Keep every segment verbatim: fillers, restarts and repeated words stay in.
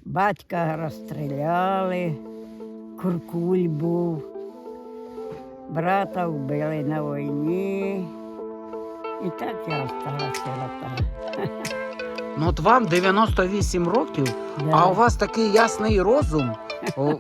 Батька розстріляли, куркуль був, брата вбили на війні. І так я стала сирота. Ну от вам дев'яносто вісім років, Да. а у вас такий ясний розум. О,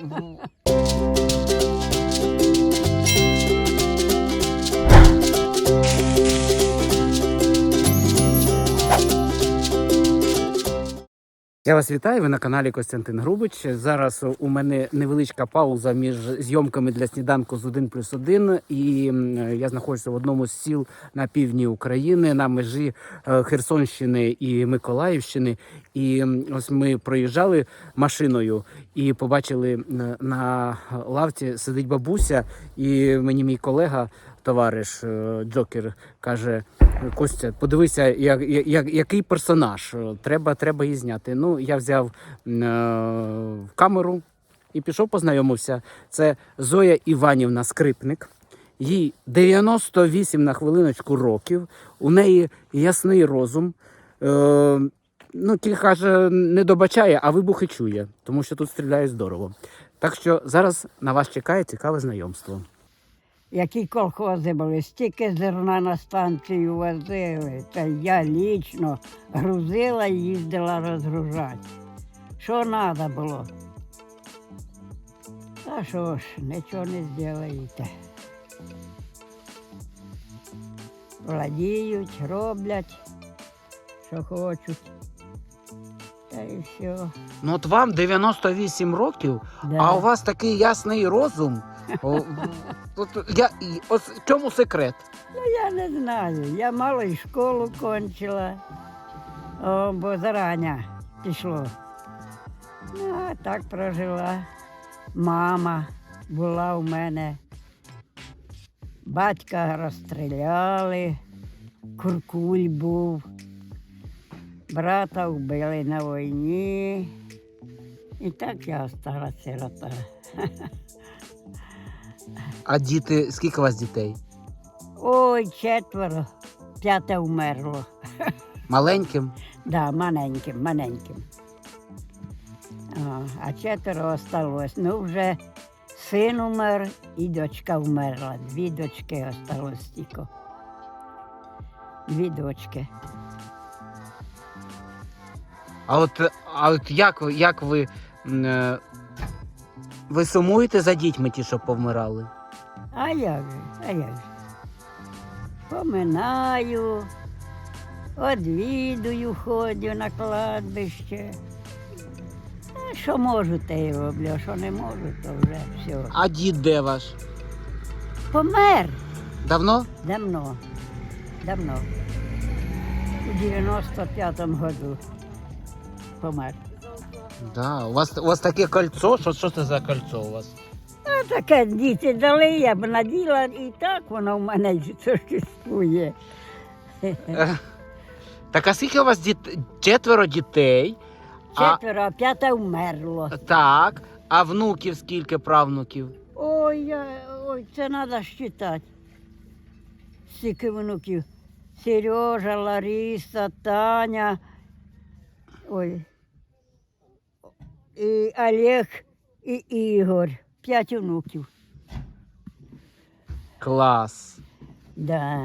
Я вас вітаю, ви на каналі Костянтин Грубич. Зараз у мене невеличка пауза між зйомками для сніданку з один плюс один. І я знаходжуся в одному з сіл на півдні України, на межі Херсонщини і Миколаївщини. І ось ми проїжджали машиною і побачили на лавці сидить бабуся, і мені мій колега, товариш Джокер, каже: Костя, подивися, як, як, який персонаж, треба, треба її зняти. Ну, я взяв е, камеру і пішов, познайомився. Це Зоя Іванівна Скрипник. Їй дев'яносто вісім на хвилиночку років, у неї ясний розум. Е, ну, тільки каже, не добачає, а вибухи чує, тому що тут стріляє здорово. Так що зараз на вас чекає цікаве знайомство. Які колхози були, стільки зерна на станцію возили, та я лічно грузила і їздила розгружати. Що треба було? Та що ж, нічого не зробите. Владіють, роблять, що хочуть. Та і все. Ну от вам дев'яносто вісім років, Да. а у вас такий ясний розум. О, от я, і- ось в чому секрет? Ну, я не знаю. Я мало і школу кончила, о, бо зарання пішло. Ну, а так прожила. Мама була у мене. Батька розстріляли, куркуль був. Брата вбили на війні. І так я стала сирота. А діти, скільки у вас дітей? Ой, четверо, п'яте вмерло. Маленьким? Да, маленьким, маленьким. О, а четверо осталось. Ну, вже син умер і дочка вмерла. Дві дочки осталось тільки. Дві дочки. А от, а от як, ви- як ви, м, е, ви сумуєте за дітьми ті, що повмирали? А як же, а як же? Поминаю, одвідую, ходю на кладбище. А що можу, те й роблю, а що не можу, то вже все. А дід де ваш? Помер Давно? давно, давно. У дев'яносто п'ятому году помер. Да. У вас, у вас таке кольцо? Що, що це за кольцо у вас? А таке діти дали, я б наділа, і так воно в мене существує. Е, Так а скільки у вас діт... четверо дітей? Четверо, а п'яте вмерло. А, так. А внуків скільки, правнуків? Ой, я, ой, це треба считати. Скільки внуків. Сережа, Лариса, Таня. Ой. І Олег, і Ігор. П'ять внуків. Клас. Да.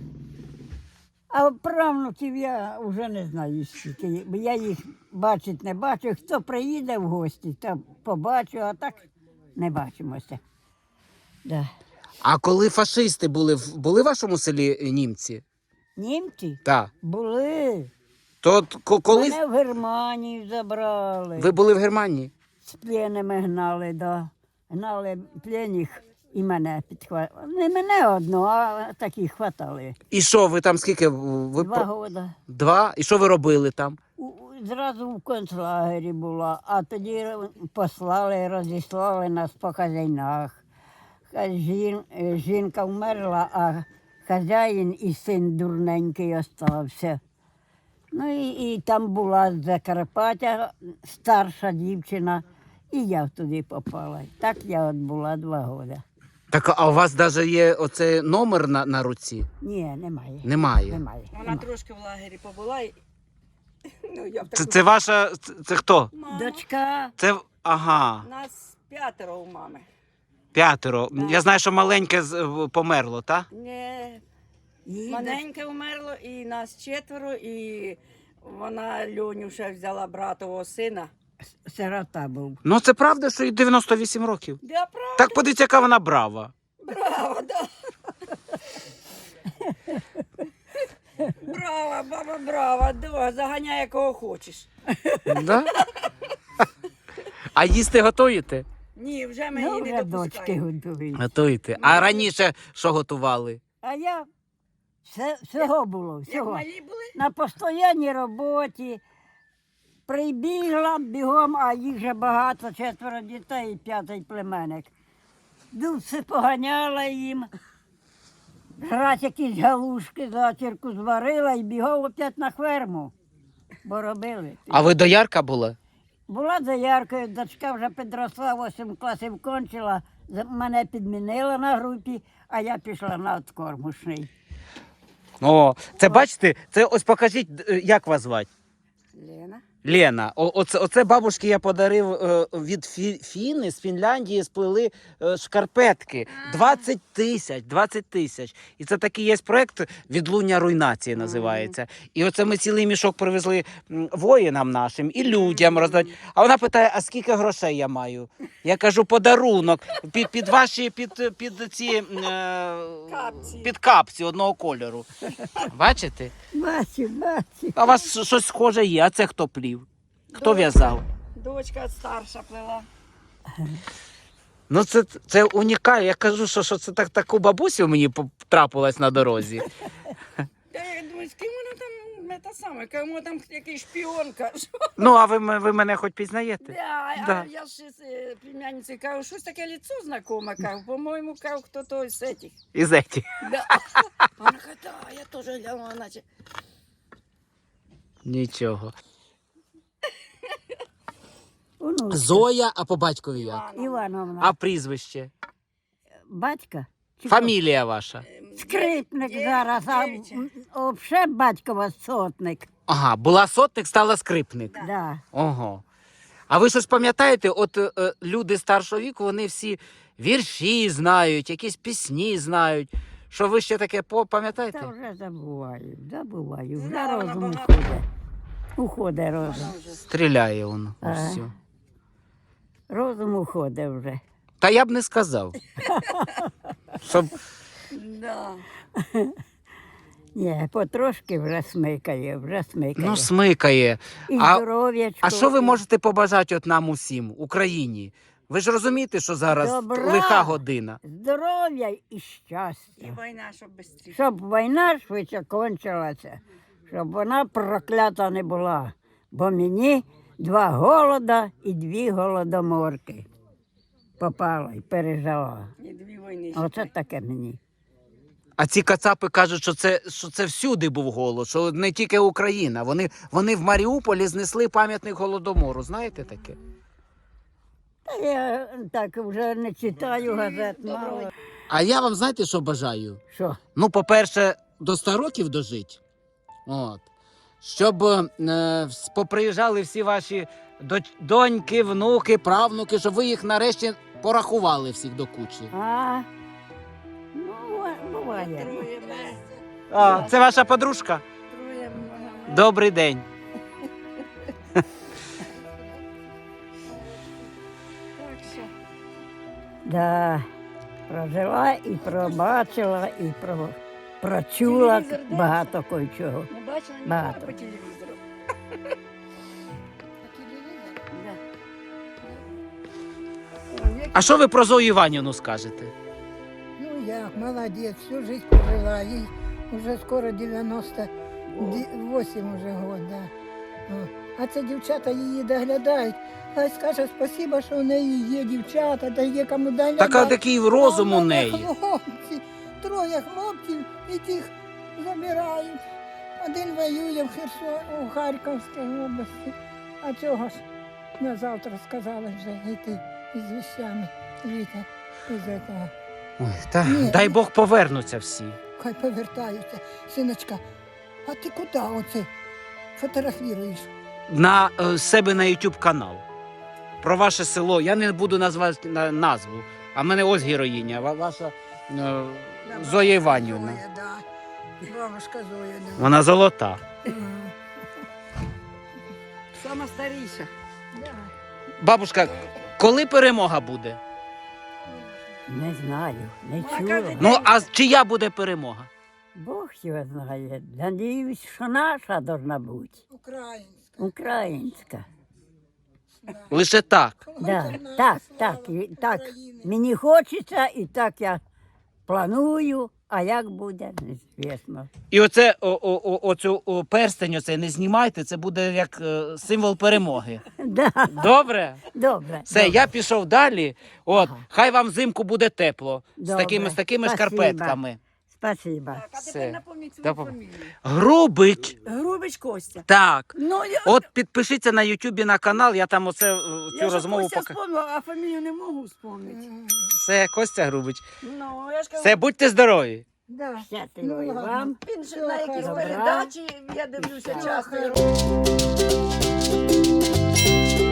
А правнуків я вже не знаю скільки. Бо я їх бачить не бачу. Хто приїде в гості, то побачу, а так не бачимося. Да. А коли фашисти були, в- були в вашому селі німці? Німці Так. були. То от ко- коли Мене в Германію забрали. ви були в Германії? З пленами гнали, да. Гнали пленних і мене підхватили. Не мене одного, а такі хватали. І що, ви там скільки? Ви Два про- роки. Два? І що ви робили там? У- у- Зразу в концлагері була, а тоді послали, розіслали нас по хазяйнах. Ха- Жін, е, жінка вмерла, а хазяїн і син дурненький остався. Ну і, і там була з Закарпаття старша дівчина, і я туди попала. Так я от була два роки. Так, а у вас навіть є оцей номер на, на руці? Ні, немає. Немає. Немає. Вона трошки в лагері побула, і Ну, я в Це, таку... це ваша. Це, це хто? Мама. Дочка, Це. Ага, Нас п'ятеро у мами. п'ятеро. Да. Я знаю, що маленьке з- померло, так? Не, її маленьке умерло, і нас четверо, і вона Льоню ще взяла братового сина. доч- сирота був. Ну це правда, що їй дев'яносто вісім років. Да, правда, Так подивіться, яка вона брава. браво, да. Браво, баба, браво, да, заганяй кого хочеш. Да? А їсти готуєте? Ні, вже ми Ну, її не вже дочки допускаємо. готують. Готуєте. А раніше що готували? А я все, всього було, Як всього. малі були? На постоянній роботі. Прибігла бігом, а їх же багато, четверо дітей і п'ятий племенник. Ну, все поганяла їм. Раз якісь галушки зачірку зварила і бігом опять на ферму. Бо робили. А ви доярка була? Була дояркою, дочка вже підросла, вісім класів кончила, за- мене підмінила на групі, а я пішла на откормушний. О, це бачите, це ось покажіть, е, як вас звати? Лена. Лена, о, оце, оце бабушки я подарив е, від Фі, Фіни з Фінляндії, сплели е, шкарпетки. двадцять тисяч, двадцять тисяч. І це такий є проєкт «Відлуння руйнації» називається. І оце ми цілий мішок привезли м, воїнам нашим і людям роздати. А вона питає, а скільки грошей я маю? Я кажу, подарунок під, під ваші, під, під ці е, Капці. під капці одного кольору. Бачите? Бачу, бачу. А у вас щось схоже є, а це хто плів? Хто Дочка. в'язав? Дочка старша плела. Ну це, це унікально. Я кажу, що, що це так, таку бабусю мені трапилась на дорозі. Я думаю, з ким вона там, не та саме, кому там якийсь шпіон, кажу. Ну, а ви, м- ви мене хоч пізнаєте? Да, Да. А я ж з е, племянницею кажу, щось таке лицо знакоме, кажу, по-моєму, кажу, хто той з этих. І зеті. Да. Вона каже, да, я теж глянула, наче. Нічого. Онучка. Зоя, а по батькові як? Івановна. А прізвище? Батька? Чи Фамілія ваша? хто? Скрипник Дє- зараз, а дєвича. взагалі батькова сотник. Ага, була сотник, стала скрипник. Да. Ого. А ви щось пам'ятаєте, от е, е, люди старшого віку, вони всі вірші знають, якісь пісні знають. Що ви ще таке по- пам'ятаєте? Та вже забуваю, забуваю. Вже Знала вона розум багато. уходить. Уходить розум. Вона вже. Стріляє воно. Ось Ага. все. Розум уходить вже. Та я б не сказав. Щоб... Да. Ні, потрошки вже смикає, вже смикає. Ну, смикає. І а- здоров'ячко. А що ви і- можете побажати от нам усім, Україні? Ви ж розумієте, що зараз Добра. лиха година. Здоров'я і І щастя. війна, щоб швидше. Щоб війна швидше кончилася, щоб вона проклята не була. Бо мені два голода і дві голодоморки попала і пережила. І дві війни. Оце таке мені. А ці кацапи кажуть, що це, що це всюди був голод, що не тільки Україна. Вони, вони в Маріуполі знесли пам'ятник Голодомору. Знаєте таке? Та я так вже не читаю газет, мало. А я вам знаєте, що бажаю? Що? Ну, по-перше, до ста років дожити. От. Щоб е, вс- поприїжджали всі ваші доч- доньки, внуки, правнуки, щоб ви їх нарешті порахували всіх до кучі. А? Ну, бува- буває. Троє мене. А, це ваша подружка? Троє мене. Добрий день. Так що. Да. Прожила і пробачила, і про... прочула Телевізор де? багато кое-чого. Не бачила ніколи Багато. по телевізору. А що ви про Зою Іванівну скажете? Ну як, молодець, всю жизнь прожила, їй вже скоро дев'яносто вісім уже год, да. О. А це дівчата її доглядають. Хай скаже спасибо, що у неї є дівчата, та є кому доглядати. Така такий розум А у в мене неї. Хлопці, троє хлопців і тих забирають. Один воює в Херсон, у Харківській області. А чого ж на завтра сказали вже йти із вещами, Віта, із цього. Ой, та, Ні. дай Бог повернуться всі. Хай повертаються. Синочка, а ти куди оце? фотографируешь. на е, себе на YouTube канал. Про ваше село. Я не буду назвати на, назву. А в мене ось героїня. ва- Ваша е, Зоя Іванівна. Зоя, да. Бабушка Зоя, да. Вона золота. Мгм. Сама старіша. Да. Бабушка, коли перемога буде? Не знаю, не а чула. кажуть, Ну, а чия буде перемога? Бог його знає. Надіюсь, що наша должна бути. Українська. Українська. Лише так. Да, Наша так, слава так, і, так. України. Мені хочеться, і так я планую, а як буде, незвісно. І оце о, о, о, оцю о, перстень оцей не знімайте, це буде як е, символ перемоги. Да, Добре? добре. Все, добре. я пішов далі. От, Ага. хай вам взимку буде тепло. З Добре. такими, з такими Спасибо. шкарпетками. Спасибо. Так, а Все. тепер напомніть свою Допом- фамілію. Грубич. Грубич Костя. Так. Ну, я, От підпишіться на Ютубі на канал, я там оце е, цю я ж розмову Костя покажу. вспомнила, а фамілію не можу вспомнити. Все, Костя Грубич. Ну, я ж кажу, Все, будьте здорові. Да. Щасливо і ладно. вам. він же Всього на якійсь хорошого. передачі, я дивлюся Всього часто. хорошого.